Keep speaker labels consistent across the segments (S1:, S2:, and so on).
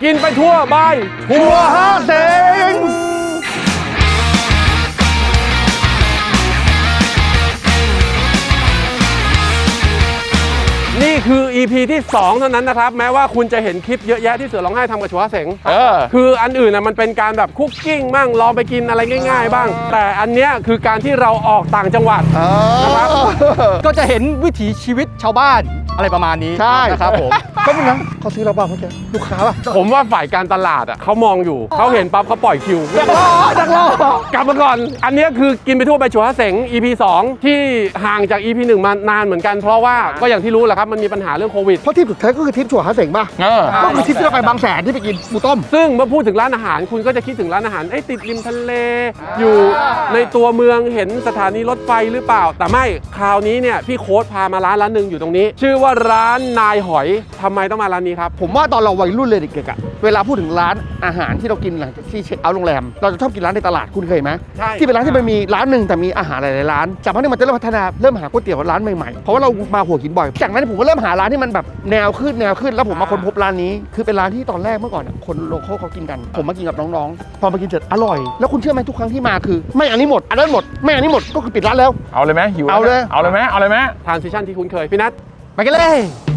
S1: กินไปทั่วบายทัวร์ห้าเสงนี่คือ EP ที่2เท่านั้นนะครับแม้ว่าคุณจะเห็นคลิปเยอะแยะที่เสือร้องไห้ทำกับชัวเสงคืออันอื่นน่ะมันเป็นการแบบคุกกิ้งบ้างลองไปกินอะไรง่ายๆบ้างแต่อันเนี้ยคือการที่เราออกต่างจังหวัดนะครับ
S2: ก็จะเห็นวิถีชีวิตชาวบ้านอะไรประมาณนี้นะครับผม
S3: ก็เป็นนะเขาซื้อเราบ้างเขาจะลูกค้าป่ะ
S1: ผมว่าฝ่ายการตลาดอ่ะเขามองอยู่เขาเห็นปั๊บเขาปล่อยคิว
S3: ดักร
S1: กลับมาก่อนอันนี้คือกินไปทั่วไปชัวเสง EP 2ที่ห่างจาก EP 1มานานเหมือนกันเพราะว่าก็อย่างที่รู้แหละครับมันมีปัญหาเรื่องโควิด
S3: เพราะทริปสุดท้ายก็คือทริปชัวร์หาเสงป่ะก็คือทริปที่เราไปบางแสนที่ไปกินหมูต้ม
S1: ซึ่งเมื่อพูดถึงร้านอาหารคุณก็จะคิดถึงร้านอาหารติดริมทะเลอยู่ในตัวเมืองเห็นสถานีรถไฟหรือเปล่าแต่ไม่คราวนี้เนี่ยพี่โค้ดพามาร้านหนึ่งอยู่ตรงนี้ชื่อว่าร้านนายหอยทำไมต้องมาร้านนี้ครับ
S3: ผมว่าตอนเราวัยรุ่นเลยเด็กๆอะเวลาพูดถึงร้านอาหารที่เรากินหลังจากที่เช็คเอาท์โรงแรมเราจะชอบกินร้านในตลาดคุณเคยไหม
S1: ใช่
S3: ที่เป็นร้านที่มันมีร้านหนึ่งแต่มีอาหารหลายๆร้านจากนั้นมันจะเริ่มพัฒนาเริ่มหาก๋วยเตี๋ยวร้านใหม่ๆเพราะว่าเรามาหัวหินบ่อยจากนั้นผมก็เริ่มหาร้านที่มันแบบแนวขึ้นแล้วผมมาค้นพบร้านนี้คือเป็นร้านที่ตอนแรกเมื่อก่อนคนโลคอลเขากินกันผมมากินกับน้องๆพอมากินเสร็จอร่อยแล้วคุณเชื่อไหมทุกครั้งที่มาคือไม่อันนี้หมดอันนั้นหมดไม่อันนี้หมดก็คือปิดร้านแล้ว
S4: เอาเลยไหมหิว
S3: เอาเลย
S4: ไหม
S1: transition ที่คุ้นเคยพี่นัท
S2: ไปกันเลย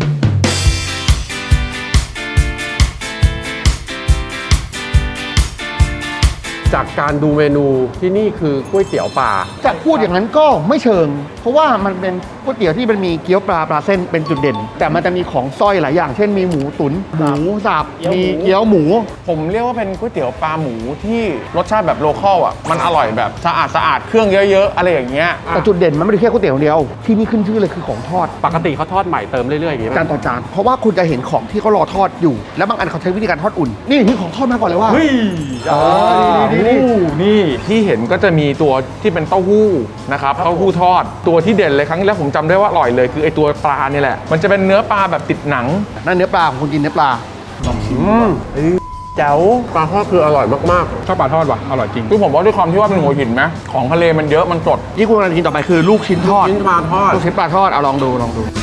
S1: จากการดูเมนูที่นี่คือก๋วยเตี๋ยวปลา
S3: จะพูดอย่างนั้นก็ไม่เชิงเพราะว่ามันเป็นก๋วยเตี๋ยวที่มันมีเกี๊ยวปลาเส้นเป็นจุดเด่นแต่มันจะมีของสร้อยหลายอย่างเช่นมีหมูตุ๋นหมูสับมีเกี๊ยวหมู
S4: ผมเรียกว่าเป็นก๋วยเตี๋ยวปลาหมูที่รสชาติแบบโลคอลอ่ะมันอร่อยแบบสะอาดเครื่องเยอะๆอะไรอย่างเงี้ย
S3: แต่จุดเด่นมันไม่ได้แค่ก๋วยเตี๋ยวเดียวที่นี่ขึ้นชื่อเลยคือของทอด
S1: ปกติเขาทอดใหม่เติมเรื่อยๆอย่างงี้
S3: จานต่อจานเพราะว่าคุณจะเห็นของที่เขารอทอดอยู่แล้วบางอันเขาใช้วิธีการทอดอุ่นนี่ของทอดมาก่อนเลยว่า
S4: นี่ที่เห็นก็จะมีตัวที่เป็นเต้าหู้นะครับเต้าหู้ทอดตัวที่เด่นเลยครั้งที่แล้วผมจำได้ว่าอร่อยเลยคือไอตัวปลาเนี่ยแหละมันจะเป็นเนื้อปลาแบบติดหนัง
S3: นั่นเนื้อปลาของคนกินเนื้อปลาลองชิม
S1: เจ๋วปลาทอดคืออร่อยมาก
S4: ๆชอบปลาทอดว่ะอร่อยจริงคือผมว่าด้วยความที่ว่าเป็นหัวหินไหมของทะเลมันเยอะมันสด
S3: ที่คุณกำลังกินต่อไปคือลูกชิ้นทอด
S1: ลูกชิ้นปลาทอด
S3: เอาลองดู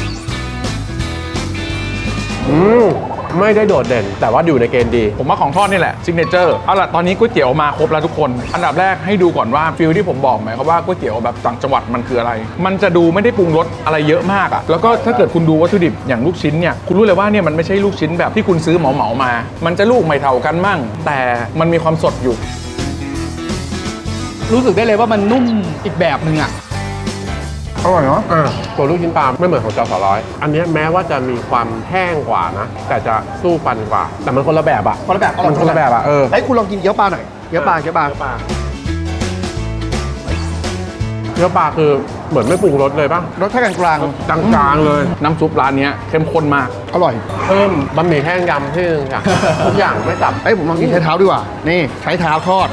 S1: ไม่ได้โดดเด่นแต่ว่าอยู่ในเกณฑ์ดี
S4: ผมว่าของทอดนี่แหละซิกเนเจอร์เอาล่ะตอนนี้ก๋วยเตี๋ยวมาครบแล้วทุกคนอันดับแรกให้ดูก่อนว่าฟิลที่ผมบอกไหมครับว่าก๋วยเตี๋ยวแบบต่างจังหวัดมันคืออะไรมันจะดูไม่ได้ปรุงรสอะไรเยอะมากอ่ะแล้วก็ถ้าเกิดคุณดูวัตถุดิบอย่างลูกชิ้นเนี่ยคุณรู้เลยว่าเนี่ยมันไม่ใช่ลูกชิ้นแบบที่คุณซื้อเหมามามันจะลูกไม่เท่ากันมั่งแต่มันมีความสดอยู่
S2: รู้สึกได้เลยว่ามันนุ่มอีกแบบนึงอ่ะ
S3: อร่อยเนาะ
S1: ตัวลูกชิ้นปลาไม่เหมือนของจสร้อยอันนี้แม้ว่าจะมีความแห้งกว่านะแต่จะสู้ฟันกว่าแต่มันคนละแบบอะ
S3: คนละแบบ
S1: มันคนละแบบอะ
S3: ไอ้คุณลองกินเกี๊ยวปลาหน่อยเกี๊ยวปลา
S1: เกี๊ยวปลาคือเหมือนไม่ปรุงรสเลยป่ะ
S3: รสแค่กลาง
S1: เลย
S4: น้ำซุปร้านนี้เข้มข้นมาก
S3: อร่อย
S1: เพิ่มบะหมี่แห้งยำที่นึงค่ะทุกอย่างไม่ตับ
S3: ผมลองกินใช้เท้าดีกว่านี่ใช้เท้าทอด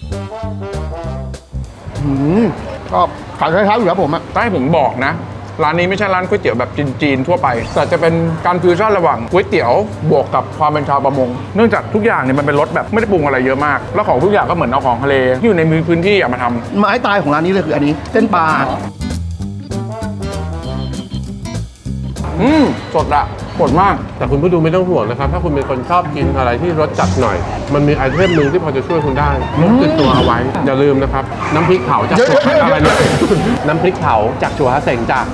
S3: ก็ขายใช้เท้าอยู่แล้วผมอะ
S4: ถ้าให้ผมบอกนะร้านนี้ไม่ใช่ร้านก๋วยเตี๋ยวแบบจีนทั่วไปแต่จะเป็นการฟิวชั่นระหว่างก๋วยเตี๋ยวบวกกับความเป็นชาวประมงเนื่องจากทุกอย่างเนี่ยมันเป็นรสแบบไม่ได้ปรุงอะไรเยอะมากแล้วของทุกอย่างก็เหมือนเอาของทะเลที่อยู่ในพื้นที่มาทำ
S3: ไม้ตายของร้านนี้เลยคืออันนี้เส้นปลา
S4: สดอะสดมาก
S1: แต่คุณผู้ดูไม่ต้องห่วงนะครับถ้าคุณเป็นคนชอบกินอะไรที่รสจัดหน่อยมันมีไอเทมนึงที่พอจะช่วยคุณได้ติดตัวเอาไว้อย่าลืมนะครับน้ำพริกเผาจากอะไรเนี่ยน้ำพริกเผาจากชัวเสงจ้ะ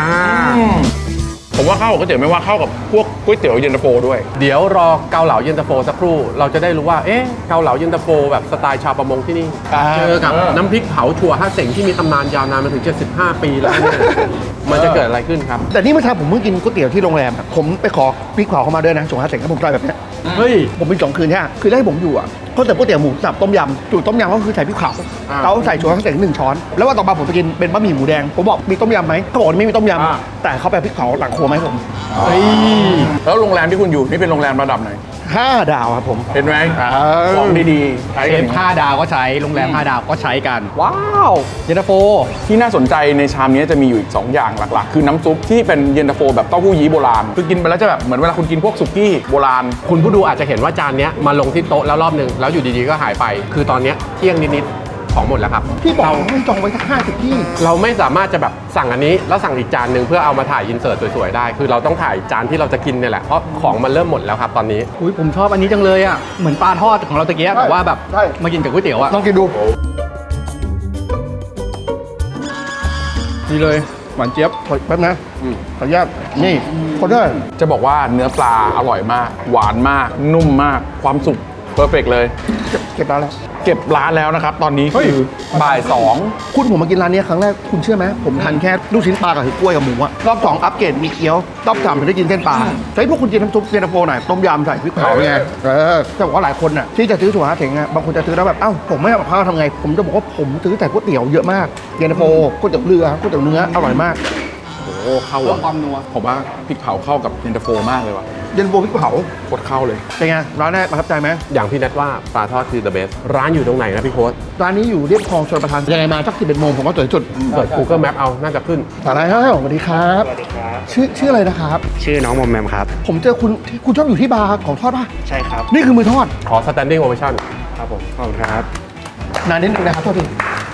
S4: ผมว่าเข้ากับก๋วยเตี๋ยวไม่ว่าเข้ากับพวกก๋วยเตี๋ยวเย็นตาโฟด้วย
S1: เดี๋ยวรอเกาเหลาเย็นตาโฟสักครู่เราจะได้รู้ว่าเกาเหลาเย็นตาโฟแบบสไตล์ชาวประมงที่นี่เจอกับน้ำพริกเผาชัวเสงที่มีตำนานยาวนานมาถึง75 ปีแล้วเนี่ยมันจะเกิดอะไรขึ้นครับ
S3: แต่นี่เมื่อเช้าผมเพิ่งกินก๋วยเตี๋ยวที่โรงแรมผมไปขอพริกเผาเข้ามาด้วยนะชัวเสงให้ผมใส่แบบนี้
S1: เฮ้ย
S3: ผมเป็น2 คืนใช่ไหมคือให้ผมอยู่อ่ะเขาแต่ก๋วยเตี๋ยวหมูสับต้มยำจุดต้มยำก็คือใส่พริกเผาเขาใส่ชัวเสง1 ช้อนแล้วว่าต่อมาผมไปกินเป็นบะหมี่หมูแดงผมบอกมีต้มยำไหมเขาบอกไม่มีต้มยำแต่เขาไปพริกเผาหลังครัวไหมผม
S4: แล้วโรงแรมที่คุณอยู่นี่เป็นโรงแรมระดับไหน
S3: 5 ดาวครับผม
S4: เห็นไหมของดีๆ
S2: เชฟ5 ดาวก็ใช้โรงแรม5 ดาวก็ใช้กันว้าวเย็นตาโฟ
S4: ที่น่าสนใจในชามนี้จะมีอยู่อีก2 อย่างหลักๆคือน้ำซุปที่เป็นเย็นตาโฟแบบเต้าหู้ยี้โบราณคือกินไปแล้วจะแบบเหมือนเวลาคุณกินพวกสุกี้โบราณ
S1: คุณผู้ดูอาจจะเห็นว่าจานนี้มาลงที่โต๊ะแล้วรอบนึงแล้วอยู่ดีๆก็หายไปคือตอนนี้เที่ยงนิดๆพของหมดแล้วครับ
S3: พี่บอกไม่จองไว้สัก50ที่
S1: เราไม่สามารถจะแบบสั่งอันนี้แล้วสั่งอีกจานหนึ่งเพื่อเอามาถ่ายอินเสิร์ตสวยๆได้ คือเราต้องถ่ายจานที่เราจะกินเนี่ยแหละเพราะของมันเริ่มหมดแล้วครับตอนนี้
S2: อุ้ยผมชอบอันนี้จังเลยอ่ะเหมือนปลาทอดของเราตะเกียบ
S3: ใช่
S2: แต่ว่าแบบ
S3: ใช่
S2: มากินกับก๋วยเตี๋ยวอ่ะ
S3: ลองกินดู
S2: ดีเลยหวานเจี๊ยบ
S3: แป๊บนะขออนุญาตนี่คนได้
S4: จะบอกว่าเนื้อปลาอร่อยมาก หวานมาก นุ่มมาก ความสุกเพอร์เฟกเลย
S3: เก็บร้านแล้ว
S4: เก็บร้านแล้วนะครับ ตอนนี้คือบ่ายสอง
S3: คุณผมมากินร้านนี้ครั้งแรกคุณเชื่อไหมผมทานแค่ลูกชิ้นปลากับกล้วยกับหมูอะรอบ2อัปเกรดมีเกี๊ยวรอบ3ถึงได้กินเส้นปลาใช้พวกคุณกินน้ำซุปเย็นตาโฟหน่อยต้มยำใส่พริกเผาไงแต่บอกว่าหลายคนน่ะที่จะซื้อถั่วหาเถงอะบางคนจะซื้อแล้วแบบเอ้าผมไม่เอากับข้าวทำไงผมจะบอกว่าผมซื้อแต่ก๋วยเตี๋ยวเยอะมากเย็นตาโฟก๋วยเตี๋ยวเรือก๋วยเตี๋ยวเนื้ออร่อยมาก
S4: โอ้เข้า
S2: เพิ่ม
S4: อ่ะ
S2: ความนัว
S4: ผมว่าพริกเผาเข้ากับเย็นตาโฟมากเลยว่ะ
S3: เย็นตาโฟพริกเผา
S4: โคตรเข้าเลย
S3: เป็นไงร้านแรกประทับใจไหม
S1: อย่างพี่นัทว่าปลาทอดคือ the best ร้านอยู่ตรงไหนนะพี่โค้ด
S3: ร้านนี้อยู่เรียบคลองชลประทานยังไงมาสัก11 โมงผมว่าสวยสุด
S1: เปิด Google Map เอาน่าจะขึ้น
S3: อะไรครับสวัสดีครับ
S5: สวัสดีครับ
S3: ชื่ออะไรนะครับ
S5: ชื่อน้องมอมแมมครับ
S3: ผมเจอคุณชอบอยู่ที่บาร์ของทอดป่ะ
S5: ใช่ครับ
S3: นี่คือมือทอด
S1: ขอ standing ovation
S5: ครับผม ขอบคุณครับ
S3: นานนิดนึงนะครับโทษที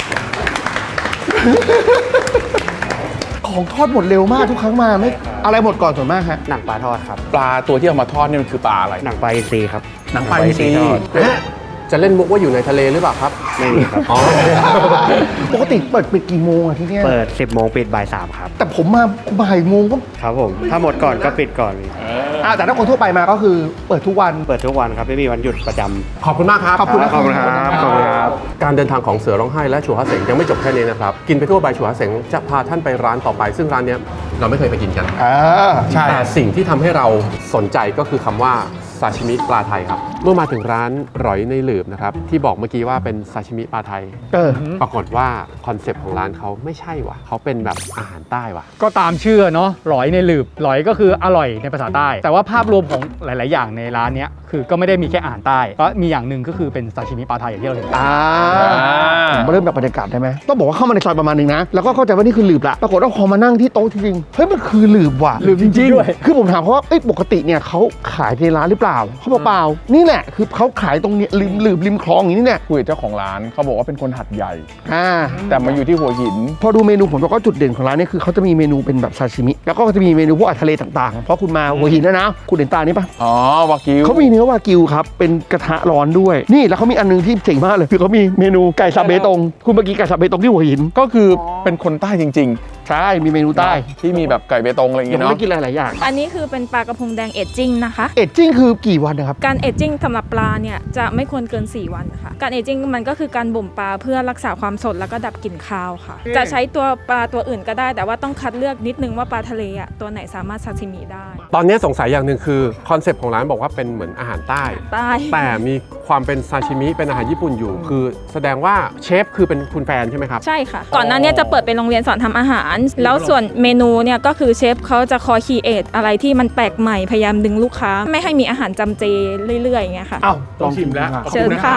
S3: ของทอดหมดเร็วมากทุกครั้งมาไม่อะไรหมดก่อนส่วนมากฮะ
S5: หนังปลาทอดครับ
S4: ปลาตัวที่เอามาทอดเนี่ยมันคือปลาอะไร
S5: หนังปลาอินทรีครับ
S4: หนังปลาอินทรี
S5: ทอด
S1: จะเล่นมุกว่าอยู่ในทะเลหรือเปล่าครับ
S5: ไม่มีครับ
S1: อ๋อ
S3: ปกติเปิดกี่โมงอะที่เนี่ย
S5: เปิด 10 โมงปิดบ่าย3ครับ
S3: แต่ผมมาบ่ายโมงก็
S5: ครับผม ถ้าหมดก่อนก็ปิดก่อน
S3: แต่ถ้าคนทั่วไปมาก็คือเปิดทุกวัน
S5: เปิดทุกวันครับ ไม่มีวันหยุดประจำ
S1: ขอบคุณมากครับ
S3: ขอบคุณนะ
S5: ขอบคุณครับ ขอบคุณครับ
S1: การเดินทางของเสือร้องไห้และชัวฮาเสงยังไม่จบแค่นี้นะครับ กินไปทั่วใบชัวฮาเสงจะพาท่านไปร้านต่อไป ซึ่งร้านเนี้ยเราไม่เคยไปกินกัน
S3: ใช่
S1: แต่สิ่งที่ทำให้เราสนใจก็คือคำว่าซาชิมิปลาไทยครับ เมื่อมาถึงร้านร้อยในหลืบนะครับที่บอกเมื่อกี้ว่าเป็นซาชิมิปลาไทย ปรากฏว่าคอนเซปต์ของร้านเขาไม่ใช่ว่ะเขาเป็นแบบอาหารใต้ว่ะ
S2: ก็ตามชื่อเนาะหลอยในหลืบหลอยก็คืออร่อยในภาษาใต้ แต่ว่าภาพรวมของหลาย ๆ อย่างในร้านเนี้ยคือก็ไม่ได้มีแค่อาหารใต้ก็มีอย่างหนึ่งก็คือเป็นซาชิมิปลาไทยอย่างที่เราเห็น
S3: ผมมาเริ่มแบบบรรยากาศได้ไหมต้องบอกว่าเข้ามาในซอยประมาณนึงนะ แล้วก็เข้าใจว่านี่คือหลืบละปรากฏว่าพอมานั่งที่โต๊ะจริงๆเฮ้ยมันคือหลืบว่ะ
S2: หลืบจริงๆด้วย
S3: คือผมถามเขาว่าเอ้ยปกติเนี่ยเขาขายในร้านหรือเปล่าเขาบอกเปล่านี่แหละคือเขาขายตรงเนี้ยริมคลองอย่างนี้เนี่ย
S4: คุยกับเจ้าของร้านเขาบอกว่าเป็นคนหัดใหญ่
S3: อ่า
S4: แต่มาอยู่ที่หัวหิน
S3: พอดูเมนูผมบอกว่าจุดเด่นของร้านเนี่ยคือเขาจะมีเมนูเป็นแบบซาชิมิแล้วก็จะมีเมนูพวกอาหารทะเลต่างๆเพราะคุณมาหัวหินนะคุณเห็นตานี่ปะ
S4: อ๋อ วากิว
S3: เขามีเนื้อวากิวครับเป็นกระทะร้อนด้วยนี่แล้วเขามีอันนึงที่เจ๋งมากเลยคือเขามีเมนูไก่สับเบตงคุณเมื่อกี้ไก่สับเบตงที่หัวหิน
S4: ก็คือเป็นคนใต้จริง
S3: ใช่มีเมนู
S4: ๆ
S3: ใต้
S4: ที่มีแบบไก่เบตงอะไรอย่าง
S3: เดี๋ยว
S4: เงี้
S3: ผม
S4: เนาะ
S3: ได้กินหลายๆอย่าง
S6: อันนี้คือเป็นปลากระพงแดงเอจจิ้งนะคะ
S3: เอจจิ้งคือกี่วันนะครับ
S6: การเอจจิ้งสำหรับปลาเนี่ยจะไม่ควรเกิน 4 วันค่ะ การเอจจิ้งมันก็คือการบ่มปลาเพื่อรักษาความสดแล้วก็ดับกลิ่นคาวค่ะ จะใช้ตัวปลาตัวอื่นก็ได้ แต่ว่าต้องคัดเลือกนิดนึงว่าปลาทะเลอ่ะตัวไหนสามารถซาซิมิได้
S1: ตอนนี้สงสัยอย่างหนึ่งคือคอนเซปต์ของร้านบอกว่าเป็นเหมือนอาหารใต้
S6: ใต้
S1: แต่มีความเป็นซาชิมิเป็นอาหารญี่ปุ่นอยู่ คือแสดงว่าเชฟคือเป็นคุณแฟนใช่ไหมครับ
S6: ใช่ค่ะ ก่อนหน้าเนี้จะเปิดเป็นโรงเรียนสอนทำอาหาร แล้วส่วนเมนูเนี่ยก็คือเชฟเขาจะคอยคีเอทอะไรที่มันแปลกใหม่พยายามดึงลูกค้า ไม่ให้มีอาหารจำเจเรื่อยๆอย่างเงี้ยค่ะ
S3: อ้าวลองชิมแล้ว
S6: เชิญค่ะ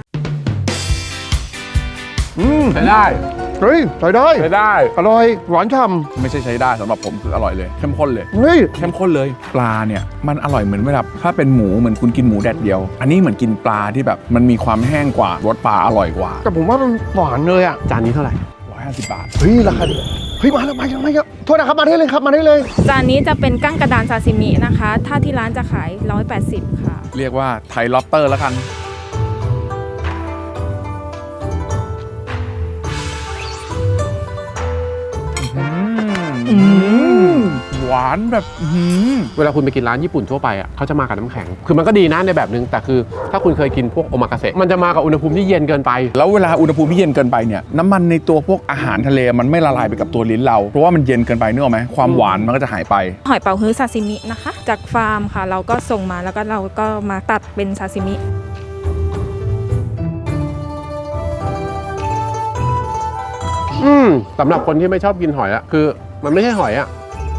S1: ใช้ได้
S3: เฮ้ยใส่ได้
S4: ใช้ได้
S3: อร่อยหวานฉ่
S4: ไม่ใช่ใช้ได้สำหรับผมคืออร่อยเลย เข้มข้นเลย
S3: ำเฮ้ย
S4: เข้มข้นเลย ปลาเนี่ยมันอร่อยเหมือนเวลาถ้าเป็นหมูเหมือนคุณกินหมูแดดเดียว อันนี้เหมือนกินปลาที่แบบมันมีความแห้งกว่ารสปลาอร่อยกว่า
S3: แต่ผมว่ามันหวานเลยอ่ะ
S1: จานนี้เท่าไหร่
S4: 150 บาท
S3: เฮ้ยราคาดีเฮ้ยมาแล้วมาแล้วโทษนะครับมาได้เลยครับมาได้เลย
S6: จานนี้จะเป็นกั้งกระดานซาซิมินะคะ ถ้าที่ร้านจะขาย 180 ค่ะ
S4: เรียกว่าไทยล็อบสเตอร์แล้วกันหวานแบบ
S1: เวลาคุณไปกินร้านญี่ปุ่นทั่วไปอ่ะเขาจะมากับน้ำแข็ง คือมันก็ดีนะในแบบนึงแต่คือถ้าคุณเคยกินพวกโอมากาเสะมันจะมากับอุณหภูมิที่เย็นเกินไป
S4: แล้วเวลาอุณหภูมิที่เย็นเกินไปเนี่ยน้ำมันในตัวพวกอาหารทะเลมันไม่ละลายไปกับตัวลิ้นเราเพราะว่ามันเย็นเกินไปนึกออกไหมความหวานมันก็จะหายไป
S6: หอยเป๋าฮื้อซาซิมินะคะ จากฟาร์มค่ะ เราก็ส่งมาแล้วก็เราก็มาตัดเป็นซาซิมิ
S1: สำหรับคนที่ไม่ชอบกินหอยอ่ะคือมันไม่ใช่หอยอ่ะ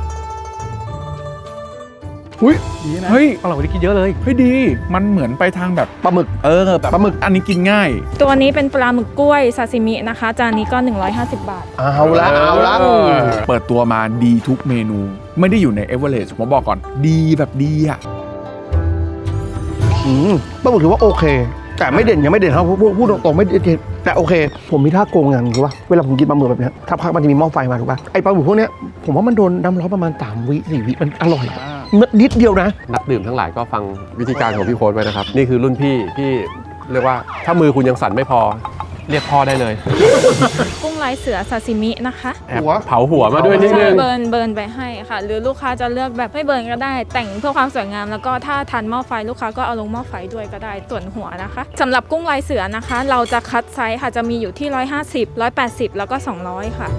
S2: ดีนะ
S4: เฮ้ย
S2: อร่อยกว่าที่คิดเยอะเลย
S4: เฮ้ยดี มันเหมือนไปทางแบบ
S3: ปลาหมึก
S4: แบบปลาหมึกอันนี้กินง่าย
S6: ตัวนี้เป็นปลาหมึกกล้วยซาซิมินะคะ จานนี้ก็ 150 บาท
S3: เอาละ
S4: เปิดตัวมาดีทุกเมนู ไม่ได้อยู่ในเอเวอเรสต์ผมบอกก่อน ดีแบบดีอ่ะ
S3: ปลาหมึกถือว่าโอเค แต่ไม่เด่นยังไม่เด่นครับพูดตรงๆไม่เด่นแต่โอเค ผมมีท่าโกงอย่างหนึงคือว่าเวลาผมกินปลาหมึกแบบเนี้ยถ้าพักมันจะมีหม้อไฟมาถูกป่ะไอปลาหมึกพวกเนี้ยผมว่ามันโดนน้ำร้อนประมาณ3 วิ 4 วิมันอร่อยนิดเดียวนะ
S1: นักดื่มทั้งหลายก็ฟังวิธีการของพี่โค้ดไว้นะครับ นี่คือรุ่นพี่ที่เรียกว่าถ้ามือคุณยังสั่นไม่พอ เรียกพ่อได้เลย
S6: กุ้งลายเสือซาซิมินะคะ
S1: แอบเผาหัวมาด้วยนิดนึง
S6: เบิร์นไปให้ค่ะ หรือลูกค้าจะเลือกแบบไม่เบิร์นก็ได้ แต่งเพื่อความสวยงาม แล้วก็ถ้าทันหม้อไฟลูกค้าก็เอาลงหม้อไฟด้วยก็ได้ส่วนหัวนะคะสำหรับกุ้งลายเสือนะคะ เราจะคัดไซส์ค่ะจะมีอยู่ที่150 180แล้วก็200ค่ะ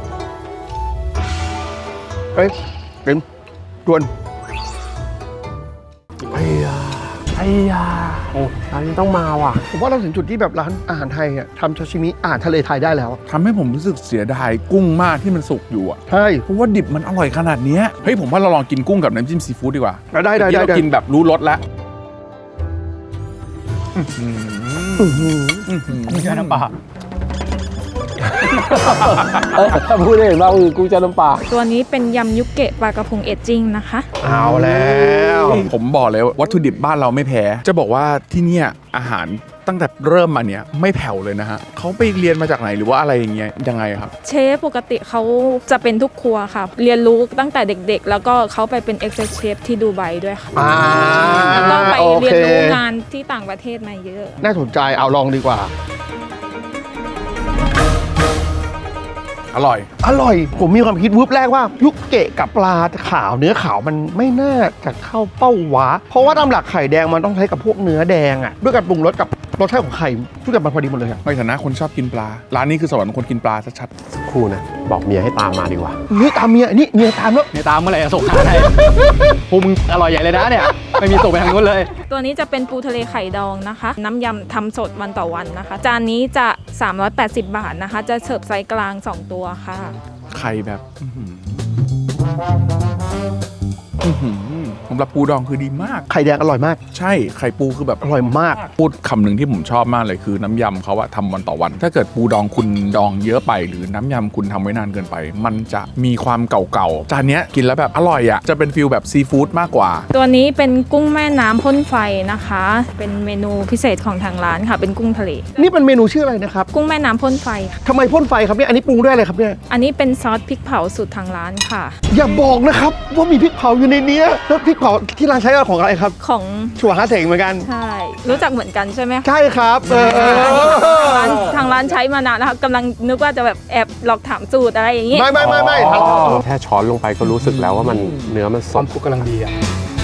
S3: เอ้ยเป็นดวน
S1: ไอ้ยาโอ้ร้านนี้ต้องมาว่ะ
S3: ผมว่าเราถึงจุดที่แบบร้านอาหารไทยอ่ะทำซาชิมิอาหารทะเลไทยได้แล้ว
S4: ทำให้ผมรู้สึกเสียดายกุ้งมากที่มันสุกอยู่อ่ะ
S3: ใช่
S4: เพราะว่าดิบมันอร่อยขนาดเนี้ยเฮ้ยผมว่าเราลองกินกุ้งกับน้ำจิ้มซีฟู้ดดีกว่า
S3: ได้
S4: เมื่อกี้เรากินแบบรู้รสแล้ว
S2: ไม่ใช่น้ำปลา
S1: พูดได้เห็นว่าคือกุ้งเจ้าน้ำปลา
S6: ตัวนี้เป็นยำยุกเกะปลากระพงเอจจิ้งนะคะ
S3: เอาแล้ว
S4: ผมบอกเลยว่าวัตถุดิบบ้านเราไม่แพ้ จะบอกว่าที่เนี่ยอาหารตั้งแต่เริ่มมาเนี่ยไม่แผ่วเลยนะฮะเขาไปเรียนมาจากไหนหรือว่าอะไรอย่างเงี้ยยังไงครับ
S6: เชฟปกติเขาจะเป็นทุกครัวค่ะ เรียนรู้ตั้งแต่เด็กๆ แล้วก็เขาไปเป็น Exec Chef ที่ดูไบด้วยค่ะ แล้วก็ไปเรียนรู้งานที่ต่างประเทศมาเยอะ
S3: น่าสนใจเอาลองดีกว่า
S4: อร่อย
S3: อร่อย ผมมีความคิดวืบแรกว่ายุกเกะกับปลาขาวเนื้อขาวมันไม่น่าจะเข้าเป้าวะ เพราะว่าตามหลักไข่แดงมันต้องใช้กับพวกเนื้อแดงอ่ะด้วยการปรุงรสกับรสชาติของไข่ทุกอย่างมันพอดีหมดเลยอะ
S4: ในฐานะคนชอบกินปลา ร้านนี้คือสวรรค์ของคนกินปลาชัด
S1: ครู่นะ บอกเมียให้ตามมาดีกว่า
S3: นี่ตามเมียนี่เมียตามแล้ว
S2: ในตามเมื่อไหร่จะส่งหาให้พวกมึงอร่อยใหญ่เลยนะเนี่ย ไม่มีส่งไปทางนู้นเลย
S6: ตัวนี้จะเป็นปูทะเลไข่ดองนะคะ น้ำยำทำสดวันต่อวันนะคะ จานนี้จะ 380 บาทนะคะ จะเสิร์ฟไซส์กลาง 2 ตัวค่ะ
S4: ๆ ไข่แบบสำหรับปูดองคือดีมาก
S3: ไข่แดงอร่อยมาก
S4: ใช่ไข่ปูคือแบบ
S3: อร่อยมาก
S4: พูดคำหนึ่งที่ผมชอบมากเลยคือน้ำยำเขาอะทำวันต่อวัน ถ้าเกิดปูดองคุณดองเยอะไป หรือน้ำยำคุณทำไว้นานเกินไป มันจะมีความเก่าๆจานเนี้ยกินแล้วแบบอร่อยอะจะเป็นฟิลแบบซีฟู้ดมากกว่า
S6: ตัวนี้เป็นกุ้งแม่น้ำพ่นไฟนะคะ เป็นเมนูพิเศษของทางร้านค่ะ เป็นกุ้งทะเล
S3: นี่เป็นเมนูชื่ออะไรนะครับ
S6: กุ้งแม่น้ำพ่นไฟค่ะ
S3: ทำไมพ่นไฟครับเนี่ยอันนี้ปรุงด้วยอะไรครับเนี่ย
S6: อันนี้เป็นซอสพริกเผาสูตรทางร้านค่ะ
S3: อย่าบอกนะครับว่ามีพริกเผาอยู่ในเนี้ยแล้วพริกเผาที่ร้านใช้ของอะไรครับ
S6: ของ
S3: ชัวฮาเสงเหมือนกัน
S6: ใช่ รู้จักเหมือนกันใช่ไหมคะ
S3: ใช่ครับ
S6: ทางร้านใช้มานานแล้วค่ะกำลังนึกว่าจะแบบแอบหลอกถามสูตรอะไรอย่างนี้
S3: ไม่
S1: แค่ช้อนลงไปก็รู้สึกแล้วว่ามันเนื้อมันส
S2: ควา
S1: ด
S2: มสุขกำลังดีอ่ะ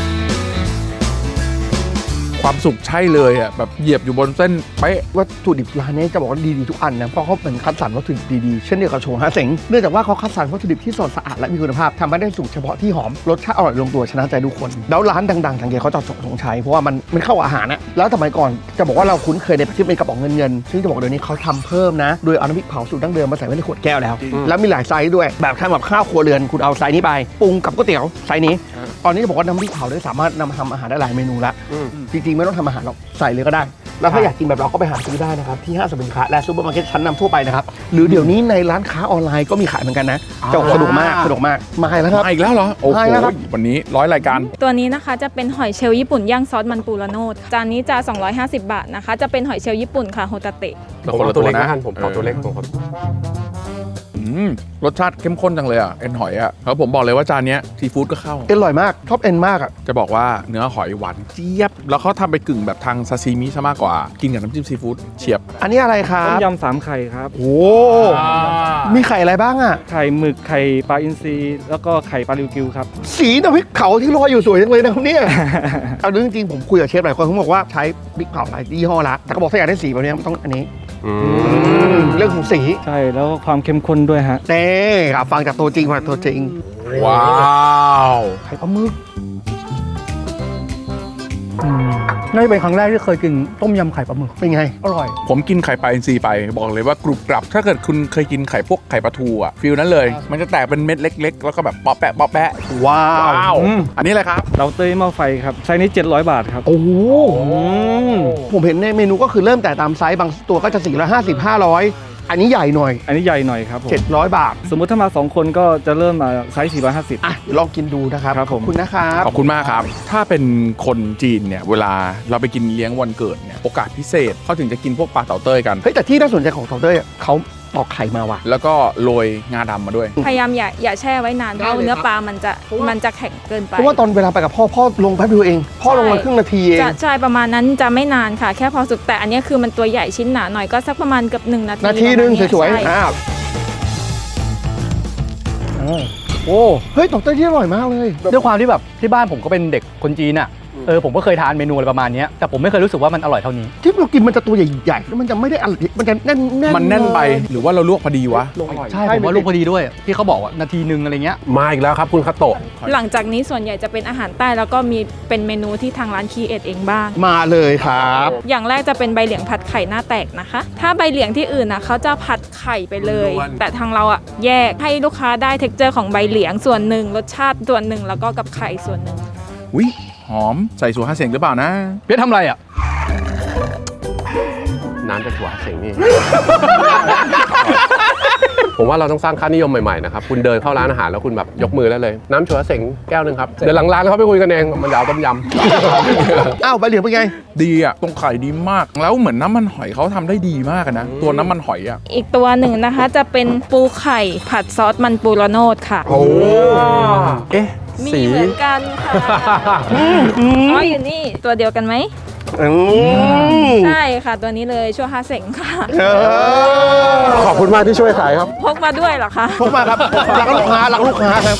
S4: ความสุขใช่เลยอะแบบเหยียบอยู่บนเส้นเป๊ะ
S3: วัตถุดิบร้านนี้จะบอกว่าดีทุกอันนะเพราะเขาเป็นคัดสรรวัตถุดิบดีๆเช่นเดียวกับโชฮาเสงเนื่องจากว่าเขาคัดสรรวัตถุดิบที่สดสะอาดและมีคุณภาพทำให้ได้สูตรเฉพาะที่หอมรสชาติอร่อยลงตัวชนะใจทุกคนแล้วร้านดังๆทางเกเขาจะสงใช้เพราะว่ามันเข้ากับอาหารนะแล้วสมัยก่อนจะบอกว่าเราคุ้นเคยในที่เป็นกระป๋องเงินซึ่งจะบอกเดี๋ยวนี้เขาทำเพิ่มนะโดยเอาน้ำพริกเผาสูตรดั้งเดิมมาใส่ไว้ในขวดแก้วแล้วแล้วมีหลายไซส์ด้วยแบบทำแบบข้าวครัวเรือนคุณเอาไซส์นี้ไปปรุงกับก๋วยเตี๋ยวไซส์นี้ตอนนี้จะบอกว่าน้ำพริกเผาได้สามารถนำมาทำอาหารได้หลายเมนูละจริงๆไม่ต้องทำอาหารหรอกใส่เลยก็ได้ แล้วถ้าอยากกินแบบเราก็ไปหาซื้อได้นะครับที่ห้างสรรพสินค้าและซูเปอร์มาร์เก็ตชั้นนำทั่วไปนะครับหรือเดี๋ยวนี้ในร้านค้าออนไลน์ก็มีขายเหมือนกันนะจะสนุกมากมาแล้วครับ
S4: มาอีกแล้วเหรอ โอ้โห
S3: มาแล้วครับ
S4: วันนี้100 รายการ
S6: ตัวนี้นะคะจะเป็นหอยเชลล์ญี่ปุ่นย่างซอสมันปูระโนดจานนี้จะ 250 บาทนะคะ จะเป็นหอยเชลล์ญี่ปุ่นค่ะโฮตาเตะ
S1: ผมเอาตัวเล็กนะท่านผมขอตัวเล็กผมขอ
S4: รสชาติเข้มข้นจังเลยอ่ะเอ็นหอยอ่ะแล้วผมบอกเลยว่าจานเนี้ยซีฟู้ดก็เข้า
S3: เอ็นอร่อยมากชอบเอ็นมากอ่ะ
S4: จะบอกว่าเนื้อหอยหวานเจี๊ยบ แล้วเขาทำไปกึ่งแบบทางซาซิมิซะมากกว่า กินกับน้ำจิ้มซีฟู้ดเฉียบ
S3: อันนี้อะไรครับ
S7: ต้มยำ3 ไข่ครับ
S3: โอ้มีไข่อะไรบ้างอ่ะ
S7: ไข่หมึกไข่ปลาอินทรีแล้วก็ไข่ปลาริวกิวครับ
S3: สีน้ำพริกเผาที่ลอยอยู่สวยจังเลยนะครับเนี่ย เอาจริงๆผมคุยกับเชฟหลายคนเขาบอกว่าใช้พริกเผาหลายยี่ห้อละแต่เขาบอกถ้าอยากได้สีแบบนี้ต้องอันนี้เรื่องของสี
S7: ใช่แล้วก็ความเข้มข้นด้วยฮะ
S3: เน่ครับฟังจากตัวจริงมาตัวจริง
S4: ว้าว
S3: ไข่ปลาหมึก
S2: น่าจะเป็นครั้งแรกที่เคยกินต้มยำไข่ปลาหมึก
S3: เป็นไง
S2: อร่อย
S4: ผมกินไข่ปลาอินทรีไปบอกเลยว่ากรุบกรับ ถ้าเกิดคุณเคยกินไข่พวกไข่ปลาทูอ่ะฟิลนั้นเลย มันจะแตกเป็นเม็ดเล็ก ๆ แล้วก็แบบป๊อปแปะป๊อปแปะ
S3: ว้าว
S4: อันนี้อะไรครับ
S7: เราเต้ยหม้อไฟครับไซส์นี้700 บาทครับ
S3: โอ้โหผมเห็นในเมนูก็คือเริ่มแต่ตามไซส์บางตัวก็จะ450 500 อันนี้ใหญ่หน่อย
S7: อันนี้ใหญ่หน่อยครับผม
S3: 700 บาท
S7: สมมุติถ้ามา 2 คนก็จะเริ่มมาไซส์450
S3: อ่ะเดี๋ยวลองกินดูนะครับ
S7: ครับผม
S3: ขอบคุณนะครับ
S4: ขอบคุณมากครับ ถ้าเป็นคนจีนเนี่ยเวลาเราไปกินเลี้ยงวันเกิดเนี่ยโอกาสพิเศษเขาถึงจะกินพวกปลาเต่าเต้ยกัน
S3: เฮ้ยแต่ที่น่าสนใจของเต่าเต้ยอ่ะเขาตอกไข่มาว่ะ
S4: แล้วก็โรยงาดำมาด้วย
S6: พยายามอย่าแช่ไว้นานเพราะเนื้อปลามันจะแข็งเกินไป
S3: เพราะว่าตอนเวลาไปกับพ่อลงแป๊บเดียวเอง พ่อลงมาครึ่งนาทีเอง
S6: จะใช่ประมาณนั้นจะไม่นานค่ะ แค่พอสุกแต่อันนี้คือมันตัวใหญ่ชิ้นหนาหน่อยก็สักประมาณเกือบ1 นาที
S3: นาทีนึง
S6: ประมาณ
S3: สวย
S6: เนี้
S3: ๆ
S6: ใช่
S3: อ้าวโอ้เฮ้ยเต่าเต้ยที่อร่อยมากเลย
S2: ด้วยความที่แบบที่บ้านผมก็เป็นเด็กคนจีนอ่ะผมก็เคยทานเมนูอะไรประมาณเนี้ยแต่ผมไม่เคยรู้สึกว่ามันอร่อยเท่านี้
S3: ที่เรากินมันจะตัวใหญ่ๆแล้วมันจะไม่ได้อร่อยมันจะแน่นๆ
S4: มันแน่นไปหรือว่าเราลวกพอดีวะ
S2: ใช่ผมว่าลูกพอดีด้วยที่เขาบอกว่านาทีนึงอะไรเงี้ย
S1: มาอีกแล้วครับคุณคาโตะ
S6: หลังจากนี้ส่วนใหญ่จะเป็นอาหารใต้แล้วก็มีเป็นเมนูที่ทางร้านคีเอทเองบ้าง
S3: มาเลยครับ
S6: อย่างแรกจะเป็นใบเหลียงผัดไข่หน้าแตกนะคะ ถ้าใบเหลียงที่อื่นนะเขาจะผัดไข่ไปเลย แต่ทางเราอะแยกให้ลูกค้าได้เท็กเจอร์ของใบเหลียงส่วนหนึ่งรสชาติส่วนหนึ่งแล้วก็กับไข่ส่วนหนึ่ง
S4: วิหอมใส่สูตร5 เสียงหรือเปล่านะ
S2: เพียรทำอะไรอ่ะ
S1: น้ำจากหัวเสงนี่ ผมว่าเราต้องสร้างค่านิยมใหม่ๆนะครับคุณเดินเข้าร้านอาหารแล้วคุณแบบยกมือได้เลย น้ำชัวเสงแก้วหนึ่งครับเดี๋ยวหลังร้านเขาไปคุยกันเองมันจะเอาต้มยำ
S3: อ้าวใบเหลียงเป็นไง
S4: ดีอ่ะตรงไข่ดีมาก แล้วเหมือนน้ำมันหอยเขาทำได้ดีมากอะนะ ตัวน้ำมันหอยอ่ะ
S6: อีกตัวหนึ่งนะคะจะเป็นปูไข่ผัดซอสมันปูระโนดค่ะ
S1: โอ้เอ๊ะ
S6: มี
S1: สี
S6: เหมือนกันค่ะอ๋ออยู่นี่ตัวเดียวกันไหม ใช่ค่ะตัวนี้เลยชั่ว5 เสงค่ะ
S1: ขอบคุณมากที่ช่วยขายครับ
S6: พกมาด้วยเหรอคะ
S3: พกมาครับรักลูกค้าครับ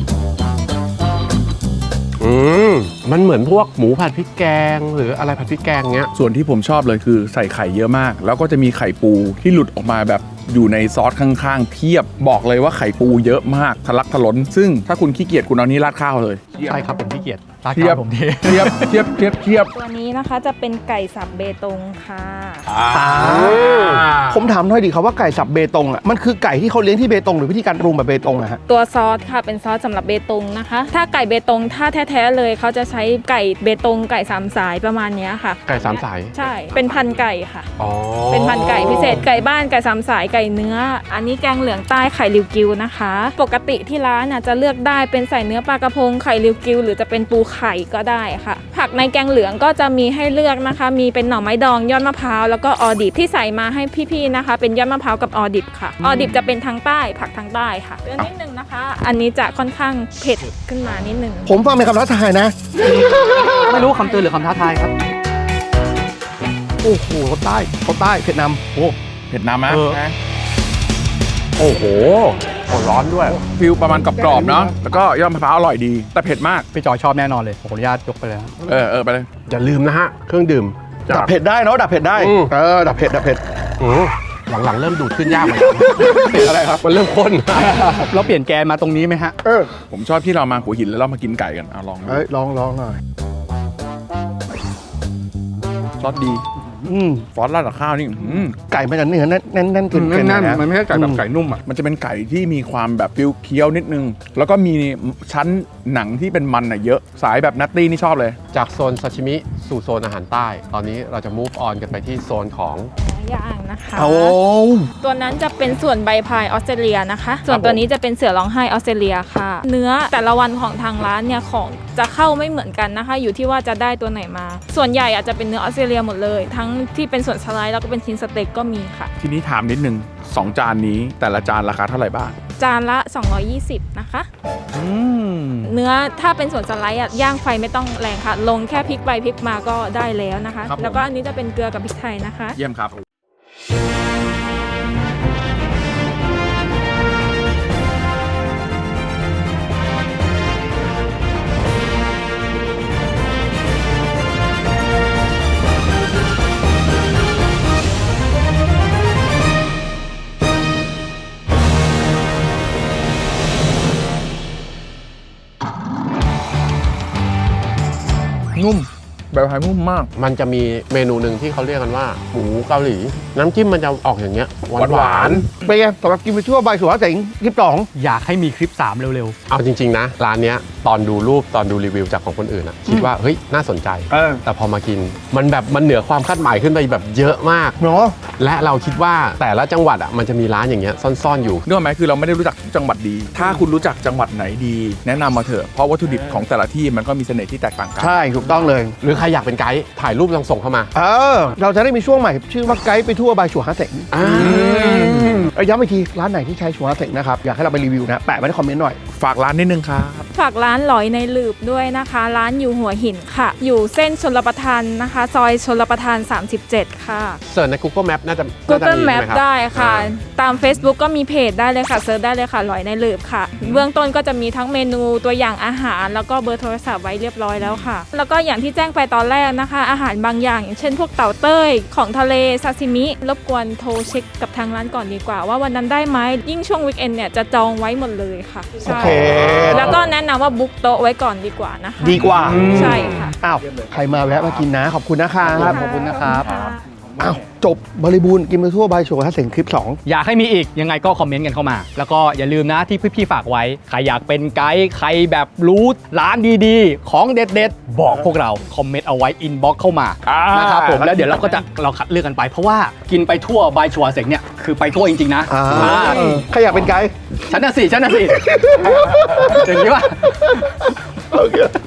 S1: มันเหมือนพวกหมูผัดพริกแกงหรืออะไรผัดพริกแกงเงี้ย
S4: ส่วนที่ผมชอบเลยคือใส่ไข่เยอะมาก แล้วก็จะมีไข่ปูที่หลุดออกมาแบบอยู่ในซอสข้างๆเพียบบอกเลยว่าไข่ปูเยอะมากทะลักทะล้น ซึ่งถ้าคุณขี้เกียจคุณเอานี้ราดข้าวเลย
S2: ใช่ครับผมขี้เกียจราด
S4: เทีย
S2: ข้า
S4: บ
S2: วผมที
S4: เทียบเทียบเทียบเทียบ
S6: ตัวนี้นะคะจะเป็นไก่สับเบตงค่ะ
S3: ผมถามหน่อยดิครับว่าไก่สับเบตงอ่ะมันคือไก่ที่เขาเลี้ยงที่เบตงหรือวิธีการปรุงแบบเบตงอะฮะ
S6: ตัวซอสค่ะเป็นซอสสำหรับเบตงนะคะ ถ้าไก่เบตงถ้าแท้ๆเลยเขาจะใช้ไก่เบตงไก่3 สายประมาณเนี้ยค่ะ
S1: ไก่สามสาย
S6: ใช่เป็นพันธุ์ไก่ค่ะ
S1: อ๋อ
S6: เป็นพันธุ์ไก่พิเศษไก่บ้านไก่3 สายไก่เนื้อ อันนี้แกงเหลืองใต้ไข่ริวกิวนะคะ ปกติที่ร้านน่ะจะเลือกได้เป็นใส่เนื้อปลากระพงไข่ริวกิวหรือจะเป็นปูไข่ก็ได้ค่ะ ผักในแกงเหลืองก็จะมีให้เลือกนะคะ มีเป็นหน่อไม้ดองยอดมะพร้าวแล้วก็ออดิบที่ใส่มาให้พี่ๆนะคะ เป็นยอดมะพร้าวกับออดิบค่ะออดิบจะเป็นทางใต้ผักทางใต้ค่ะเดี๋ยวนิดนึงนะคะ อันนี้จะค่อนข้างเผ็ดขึ้นมานิดนึง
S3: ผมฟังเป็นคำท้าทายนะ
S2: ไม่รู้คำเตือนหรือคำท้าทายครับ
S3: โอ้โหเขาใต้เวียดนาม
S4: โอ้เผ็ดน้ำนะ
S1: โอ้โหร้อนด้วย
S4: ฟิลประมาณกรอบๆเนาะแล้วก็ยอดมะพร้าวอร่อยดี แต่เผ็ดมาก
S2: พี่จอยชอบแน่นอนเลยผมขออนุญาตยกไปเลยนะ
S4: ไปเลย
S1: อย่าลืมนะฮะ เครื่องดื่ม
S3: ดับเผ็ดได้เนาะดับเผ็ดได้ ดับเผ็ด
S1: หลังๆเริ่มดูดขึ้นยากเหมือนกันอะไรครับ มันเริ่มข้น
S2: เราเปลี่ยนแกนมาตรงนี้ไหมฮะ
S4: ผมชอบที่เรามาหัวหินแล้วเรามากินไก่กันเอาลองดู
S3: เฮ้ยลองหน่อย
S4: ซอสดีซอสราดกับข้าวนี่
S3: ไก่มันจะเนื้อแน่นเกิน
S2: แน่น
S3: นะ
S2: มันไม่ใช่ไก่แบบไก่นุ่มอ่ะ
S4: มันจะเป็นไก่ที่มีความแบบฟิลเคี้ยวนิดนึง แล้วก็มีชั้นหนังที่เป็นมันเยอะสายแบบนัตตี้นี่ชอบเลย
S1: จากโซนซาชิมิสู่โซนอาหารใต้ ตอนนี้เราจะ move on กันไปที่โซนของ
S6: ย่างนะคะ
S3: เอา
S6: ตัวนั้นจะเป็นส่วนใบพายออสเตรเลียนะคะ ส่วนตัวนี้จะเป็นเสือร้องไห้ออสเตรเลียค่ะ เนื้อแต่ละวันของทางร้านเนี่ยของจะเข้าไม่เหมือนกันนะคะ อยู่ที่ว่าจะได้ตัวไหนมา ส่วนใหญ่อาจจะเป็นเนื้อออสเตรเลียหมดเลย ทั้งที่เป็นส่วนสไลด์แล้วก็เป็นชิ้นสเต็กก็มีค่ะ
S4: ทีนี้ถามนิดนึง2 จานนี้แต่ละจานราคาเท่าไหร่บ้าง
S6: จานละ 220 นะคะ เนื้อถ้าเป็นส่วนสไลด์ย่างไฟไม่ต้องแรงค่ะ ลงแค่พริกไปพริกมาก็ได้แล้วนะคะ
S4: ครับผม
S6: แล้วก็อันนี้จะเป็นเกลือกับพริกไทยนะคะ
S4: เยี่ยมครับ
S2: นุ่ม
S4: แบบไทยนุ่มมาก
S1: มันจะมีเมนูหนึ่งที่เขาเรียกกันว่าหมูเกาหลี น้ำจิ้มมันจะออกอย่างเงี้ยหวาน
S3: เป็นไงสำหรับกินไปทั่วใบสุวรรณเสงคลิป 2
S2: อยากให้มีคลิป 3 เร็ว
S1: เอาจริงๆนะร้านเนี้ยตอนดูรูปตอนดูรีวิวจากของคนอื่นอะคิดว่าเฮ้ยน่าสนใจ แต่พอมากินมันแบบมันเหนือความคาดหมายขึ้นไปแบบเยอะมาก
S3: เนาะ
S1: และเราคิดว่าแต่ละจังหวัดอะมันจะมีร้านอย่างเงี้ยซ่อนๆอยู่
S4: นึกออกไหมคือเราไม่ได้รู้จักทุกจังหวัดดี ถ้าคุณรู้จักจังหวัดไหนดี แนะนำมาเถอะ เพราะวัตถุดิบของแต่ละที่มันก็มีเสน่ห์ที่แตกต่างกัน
S3: ใช่ถูกต้องเลย
S1: หรือใครอยากเป็นไกด์ถ่ายรูปลองส่งเข้ามา
S3: เราจะได้มีช่วงใหม่ชื่อว่าไกด์ไปทั่วใบสุวรรณเสงย้ำอีกทีร้านไหนที่ใช้สุวรรณเสงนะครับอยากให้เราไปรีวิวนะแปะไว้ในคอมเมนต์หน่อย
S4: ฝากร้านนิดนึงครับ
S6: ฝากร้านหลอยในหลืบด้วยนะคะ ร้านอยู่หัวหินค่ะ อยู่เส้นชลประทานนะคะ ซอยชลประทาน 37 ค่ะ
S1: เสิร์ชใน Google Map น่าจะ
S6: Google
S1: มี
S6: Map
S1: ใช่หมรับ
S6: ได้ค่ะ
S1: อ่า
S6: ตาม Facebook ก็มีเพจได้เลยค่ะเซิร์ชได้เลยค่ะหลอยในหลืบค่ะ เบื้องต้นก็จะมีทั้งเมนูตัวอย่างอาหาร แล้วก็เบอร์โทรศัพท์ไว้เรียบร้อยแล้วค่ะ แล้วก็อย่างที่แจ้งไปตอนแรกนะคะ อาหารบางอย่างอย่างเช่นพวกเต่าเต้ยของทะเลซาซิมิรบกวนโทรเช็คกับทางร้านก่อนดีกว่า ว่าวันนั้นได้ไหมยิ่งช่วงวีคเอนด์เนี่ยจะจองไว้หมดเลยค่ะ
S3: โอ
S6: ใช่
S3: เค
S6: แล้วก็แนะนำว่าบุ๊กโต๊ะไว้ก่อนดีกว่านะคะ
S3: ดีกว่า
S6: ใช่ค่ะ
S3: อ้าวใครมาแวะมากินนะขอบคุณนะครับ
S2: ขอบคุณนะครับ
S3: อ้าวจบบริบูรณ์กินไปทั่วใบสุวรรณเสงคลิป 2
S2: อยากให้มีอีกยังไงก็คอมเมนต์กันเข้ามา แล้วก็อย่าลืมนะที่พี่ๆฝากไว้ ใครอยากเป็นไกด์ใครแบบรู้ร้านดีๆ ของเด็ดๆ บอกพวกเรา คอมเมนต์เอาไว้อินบ็อกเข้ามานะครับผมแล้วเดี๋ยวเราก็จะคัดเลือกกันไป เพราะว่ากินไปทั่วบายชัวเสงเนี่ยคือไปทั่วจริงๆนะ
S3: ใครอยากเป็นไกด์
S2: ฉันน่ะสิอย่างนี้ว่า
S3: โอเค